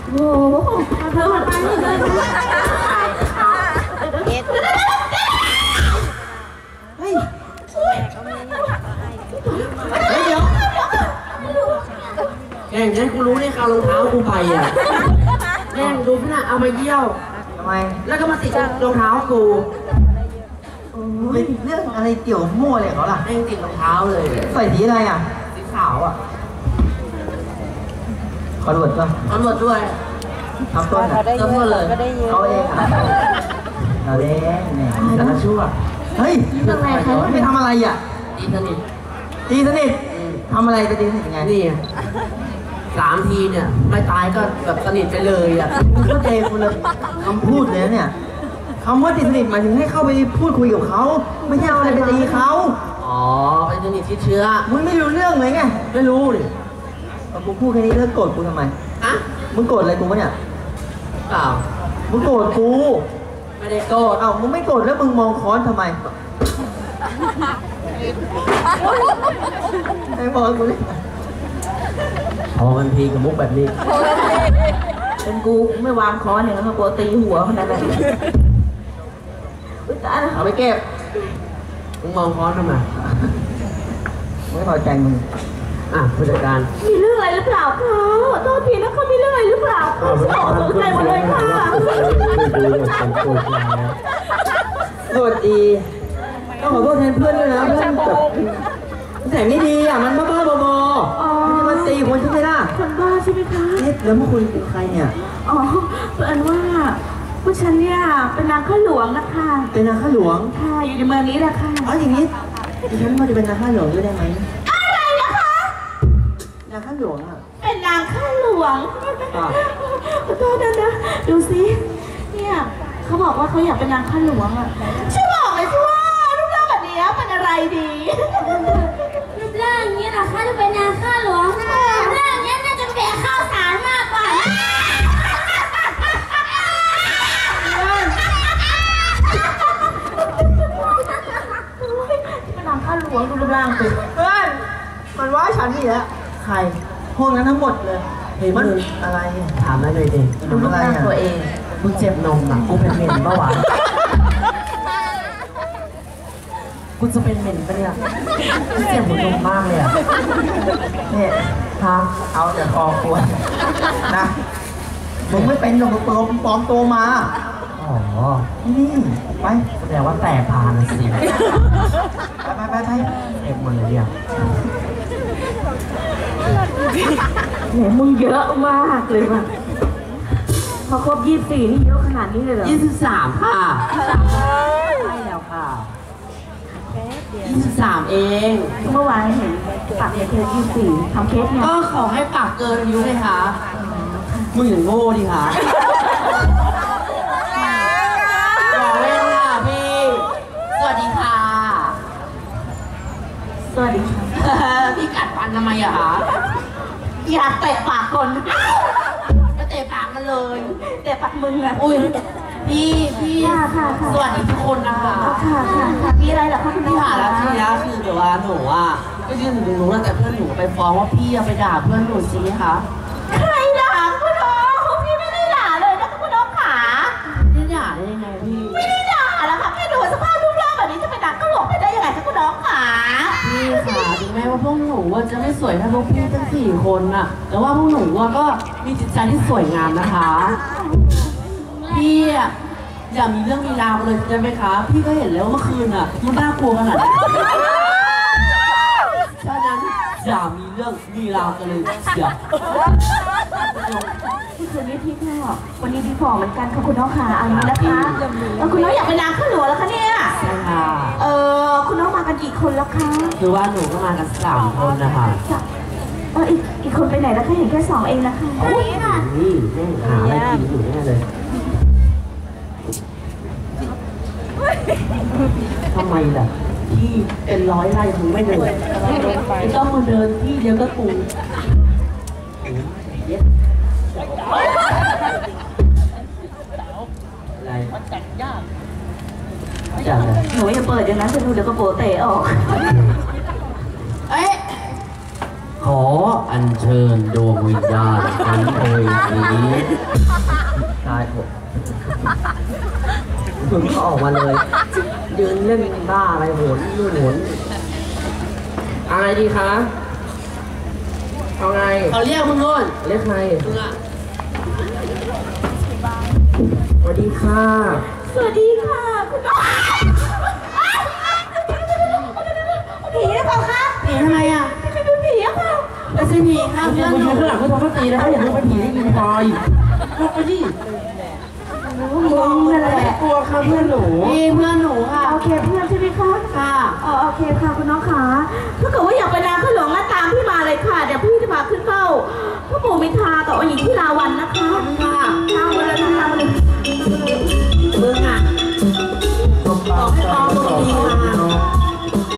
โอ้โหเธอมันไปเลยเฮ้ยเดี๋ยวแข่งฉันกูรู้ได้ข่าวรองเท้ากูไปอ่ะแม่งดูพี่น่ะเอามาเยี่ยวทำไมแล้วก็มาติดรองเท้ากูเป็นเรื่องอะไรเกี่ยวมั่วเลยเขาล่ะแม่งติดรองเท้าเลยใส่สีอะไรอ่ะสีขาวอ่ะขอรวดป่ะขอรวดด้วยทำต้นอ่ะต้นเลยเขาเองอ่ะเราเล่นเนี่ยแต่ละชั่วเฮ้ยไม่ทำอะไรอ่ะตีสนิทตีสนิททำอะไรไปตีสนิทยังไงนี่3 ทีเนี่ยไม่ตายก็แบบสนิทไปเลยอ่ะมึงก็เจคนละคำพูดเลยเนี่ยคำว่าตีสนิทหมายถึงให้เข้าไปพูดคุยกับเขาไม่ใช่เอาอะไรไปตีเขาอ๋อไปสนิทที่เชื้อมึงไม่รู้เรื่องเลยไงไม่รู้ดิกูพูดแค่นี้เลิกโกรธกูทำไมอะมึงโกรธอะไรกูวะเนี่ยเปล่ามึงโกรธกูไม่ได้โกรธเอ้ามึงไม่โกรธแล้วมึงมองค้อนทำไมไอ้บอลกูนี่พอมันพีกับมุกแบบนี้เป็นกูไม่วางค้อนเนี่ยแล้วกูตีหัวขนาดนั้นเอาไปเก็บมึงมองค้อนทำไมไม่พอใจมึงผู้จัดการมีเรื่องอะไรหรือเปล่าคะโทษทีนะเขามีเรื่องอะไรหรือเปล่าสนใจหมดเลยค่ะสวัสดีต้องขอโทษแทนเพื่อนด้วยนะเพื่อนแบบแต่ไม่ดีอ่ะมันบ้าๆบอๆมันตีคนใช่ไหมล่ะคนบ้าใช่ไหมคะแล้วเมื่อคุณเป็นใครเนี่ยอ๋อเพื่อนว่าผู้ฉันเนี่ยเป็นนางข้าหลวงนะคะเป็นนางข้าหลวงค่ะอยู่ในเมืองนี้แหละค่ะอ๋ออย่างนี้ดิฉันว่าจะเป็นนางข้าหลวงด้วยได้ไหมอะไรนะคะนางข้าหลวงอ่ะเป็นนางข้าหลวงขอโทษนะดูสิเนี่ยเขาบอกว่าเขาอยากเป็นนางข้าหลวงอ่ะช่วยบอกเลยสิว่ารูปร่างแบบนี้เป็นอะไรดีรูปร่างอย่างนี้นะคะจะเป็นนางข้าหลวงรูปร่างนี้น่าจะแบกข้าวสารมากกว่าเป็นนางข้าหลวงดูรูปร่างสิเพื่อนมันว่าฉันนี่แหละใครพวกนั้นทั้งหมดเลยเห็นมันอะไรถามได้เลยดิดูรูปร่างตัวเองมึงเจ็บนมอ่ะกูเป็นเหม็นเมื่อวานกูจะเป็นเหม็นปะเนี่ยกูเจ็บหัวนมมากเลยอ่ะเนี่ยทางเอาแต่คอควรนะมึงไม่เป็นหรอกมึงปลอมตัวมาอ๋อนี่ไปแสดงว่าแต่พานสิไปเอ็มหมดเลยเนี่ยเนี่ยมึงเยอะมากเลยว่ะพอครบ24นี่เยอะขนาดนี้เลยเหรอ23ค่ะใช่แล้วค่ะ23เองเมื่อวานเห็นปากเคส24ทำเคสเนี่ยก็ขอให้ปากเกินอายุเลยค่ะมึงอย่างโง่ดิค่ะบอกเล่นค่ะพี่สวัสดีค่ะสวัสดีค่ะพี่กัดฟันทำไมอะคะอยากเตะปากคนก็เตะปากมันเลยเตะปากมึงอะอุ้ยพี่ค่ะสวัสดีทุกคนนะคะค่ะพี่อะไรเหรอคะคุณพี่หาแล้วทีนี้คือเดี๋ยวว่าหนูอ่ะก็ยืนอยู่ตรงนู้นแต่เพื่อนหนูไปฟ้องว่าพี่ไปด่าเพื่อนหนูจริงไหมคะใครด่าคุณน้องพี่ไม่ได้ด่าเลยนะคุณน้องขาไม่ด่าได้ยังไงพี่ไม่ได้ด่าแล้วค่ะแค่ดูสภาพรูปร่างแบบนี้จะไปด่าก็หลงไปได้ยังไงคะคุณน้องขาพี่ค่ะถึงแม้ว่าพวกหนูจะไม่สวยเท่าพวกพี่ทั้ง4 คนน่ะแต่ว่าพวกหนูก็มีจิตใจที่สวยงามนะคะพี่อย่ามีเรื่องมีราวเลยใช่ไหมคะพี่ก็เห็นแล้วเมื่อคืนอ่ะมันน่ากลัวขนาดไหนฉะนั้นอย่ามีเรื่องมีราวกันเลยเสียที่คืนนี้พี่พ่อวันนี้พี่พ่อเหมือนกันค่ะคุณน้องขาอันนี้นะคะคุณน้องอยากเป็นนางข้าหลวงแล้วคะเนี่ยใช่ค่ะคุณน้องมากันกี่คนแล้วคะคือว่าหนูก็มากัน3 คนนะคะอีกคนไปไหนแล้วคะเห็นแค่2 เองนะคะนี่แม่หาอะไรกินอยู่แน่เลยทำไมล่ะที่เป็น100 ไร่มึงไม่เดินต้องมาเดินที่เดียวก็กูอะไรจัดยากจัดเลยหนูอย่าเปิดอย่างนั้นจะดูเดี๋ยวก็โปเตะออกขออัญเชิญดวงวิญญาณอันโอยนี้ตายผมมึงก็ออกมาเลยยืนเล่นบ้าอะไรโหนนู่นโหนอะไรดีคะเอาไงเขาเรียกมึงนู่นเรียกใครมึงอะสวัสดีค่ะสวัสดีค่ะคุณน้องผีหรือเปล่าคะผีทำไมอ่ะไม่เป็นผีอะค่ะไม่ใช่ผีค่ะเพื่อนหนูข้างหลังเขาทำเขาตีนะอย่าให้เป็นผีได้ยินพอยลุกไปดิมองนั่นแหละกลัวค่ะเพื่อนหนูนี่เพื่อนหนูค่ะโอเคเพื่อนใช่ไหมคะค่ะโอเคค่ะคุณน้องขาถ้าเกิดว่าอยากไปนาขึ้นหลวงก็ตามพี่มาเลยค่ะเดี๋ยวพี่จะพาขึ้นเฝ้าพระปู่มินทรากับองค์หญิงที่ลาวัน